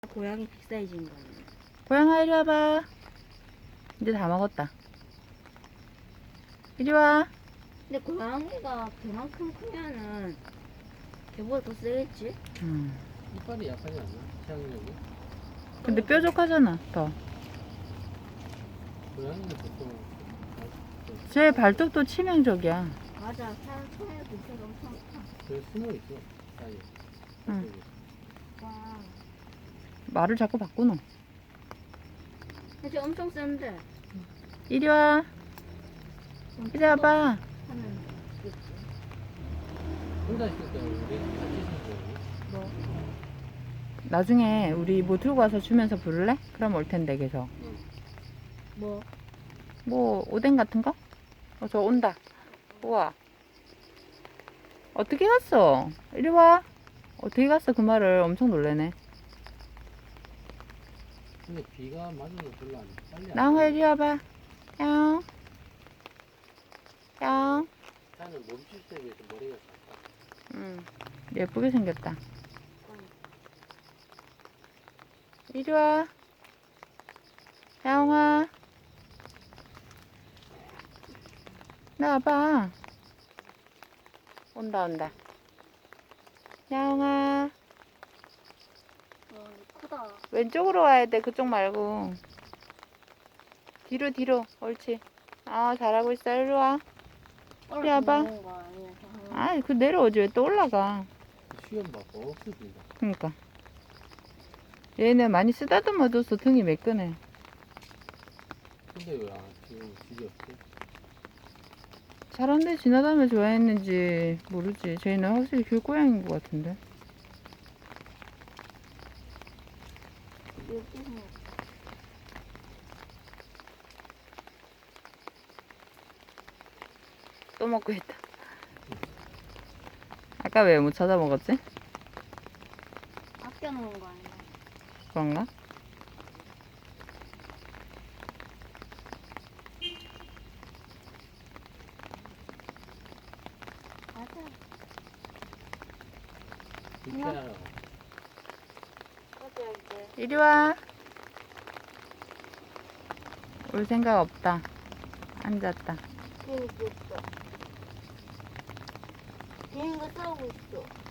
고양이 빅사이즈인 거예요. 고양아 이리 와봐. 이제 다 먹었다. 이리 와. 근데 고양이가 그만큼 크면은 개보다 더 세겠지? 이빨이 약하지 않나? 치약력이? 근데 뾰족하잖아 더. 고양이는 보통 제 발톱도 치명적이야. 맞아. 사람 손에 밑에가 엄청 커. 그래 숨어 있어 사이에. 응. 와. 말을 자꾸 바꾸노. 근데 엄청 센데. 이리 와. 이리 와봐. 하면 되겠지. 혼자 있을 때 우리 같이 있는 거니? 뭐? 나중에 우리 뭐 들고 와서 주면서 부를래? 그럼 올 텐데 계속. 뭐? 뭐 오뎅 같은 거? 저 온다. 우와. 어떻게 갔어? 이리 와. 어떻게 갔어? 그 말을 엄청 놀래네. 근데 비가 맞아도 별로 안 빨리 안 나홍아 오네. 이리 와봐. 양. 양. 차는 멈출 때 비해서 머리가 작다. 예쁘게 생겼다. 이리 와. 야옹아. 나와봐. 온다, 온다. 야옹아. 크다. 왼쪽으로 와야 돼. 그쪽 말고. 뒤로, 뒤로. 옳지. 아, 잘하고 있어. 이리 와. 이리 와봐. 아, 그 내려오지. 왜 또 올라가. 시험 받고 없어진다. 그니까. 얘는 많이 쓰다듬어줘서 등이 매끈해. 근데 왜 지금 집이 없지? 사람들이 지나다니며 좋아했는지 모르지. 쟤는 확실히 길고양이인 것 같은데. 또 먹고 있다. 아까 왜 못 찾아 먹었지? 아껴놓은 거 아니야? 그런가? 맞아. 불쾌하라고. 맞아, 이제. 이리 와. 올 생각 없다. 앉았다. 비행기 있어. 비행기가 싸우고 있어.